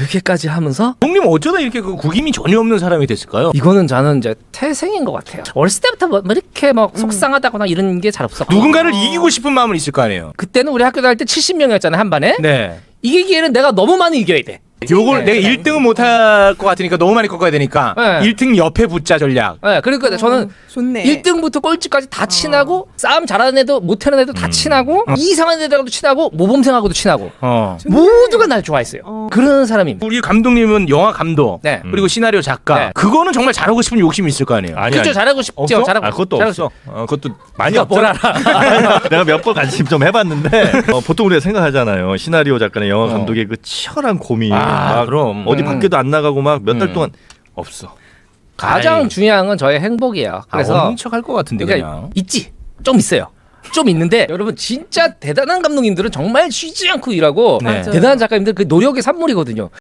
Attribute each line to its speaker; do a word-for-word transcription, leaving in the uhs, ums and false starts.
Speaker 1: 그렇게까지 하면서
Speaker 2: 형님 어쩌다 이렇게 그 구김이 전혀 없는 사람이 됐을까요?
Speaker 1: 이거는 저는 이제 태생인 것 같아요. 어렸을 때부터 뭐 이렇게 막 속상하다거나 이런 게 잘 없었고
Speaker 2: 누군가를 이기고 싶은 마음은 있을 거 아니에요.
Speaker 1: 그때는 우리 학교 다닐 때 칠십 명이었잖아요 한 반에.
Speaker 2: 네.
Speaker 1: 이기기에는 내가 너무 많이 이겨야 돼.
Speaker 2: 요걸
Speaker 1: 네.
Speaker 2: 내가 일 등은 못할 것 같으니까 너무 많이 꺾어야 되니까
Speaker 1: 네.
Speaker 2: 일 등 옆에 붙자 전략.
Speaker 1: 네, 그러니까 저는
Speaker 3: 좋네.
Speaker 1: 일 등부터 꼴찌까지 다 친하고 싸움 잘하는 애도 못하는 애도 다 친하고 이상한 애들하고도 친하고 모범생하고도 친하고
Speaker 2: 어.
Speaker 1: 모두가 날 좋아했어요. 그런 사람입니다.
Speaker 2: 우리 감독님은 영화 감독
Speaker 1: 네.
Speaker 2: 그리고 시나리오 작가
Speaker 1: 네.
Speaker 2: 그거는 정말 잘하고 싶은 욕심이 있을 거 아니에요.
Speaker 4: 아니,
Speaker 1: 그렇죠.
Speaker 4: 아니.
Speaker 1: 잘하고 싶죠.
Speaker 2: 없어?
Speaker 1: 잘하고
Speaker 4: 아, 그것도
Speaker 1: 잘하고
Speaker 4: 없어. 어, 그것도 많이
Speaker 1: 네가
Speaker 4: 없죠.
Speaker 1: 뭘 알아.
Speaker 4: 내가 몇 번 관심 좀 해봤는데 어, 보통 우리가 생각하잖아요. 시나리오 작가나 영화 감독의 그 치열한 고민.
Speaker 2: 아,
Speaker 4: 막
Speaker 2: 그럼.
Speaker 4: 어디
Speaker 1: 음.
Speaker 4: 밖에도 안 나가고 막 몇 달
Speaker 2: 음.
Speaker 4: 동안 없어.
Speaker 1: 가장
Speaker 2: 아이.
Speaker 1: 중요한 건 저의 행복이에요. 그래서
Speaker 2: 없는 척할 것 같은데
Speaker 1: 그러니까
Speaker 2: 그냥.
Speaker 1: 있지. 좀 있어요. 좀 있는데 여러분 진짜 대단한 감독님들은 정말 쉬지 않고 일하고
Speaker 2: 네.
Speaker 1: 대단한 작가님들 그 노력의 산물이거든요.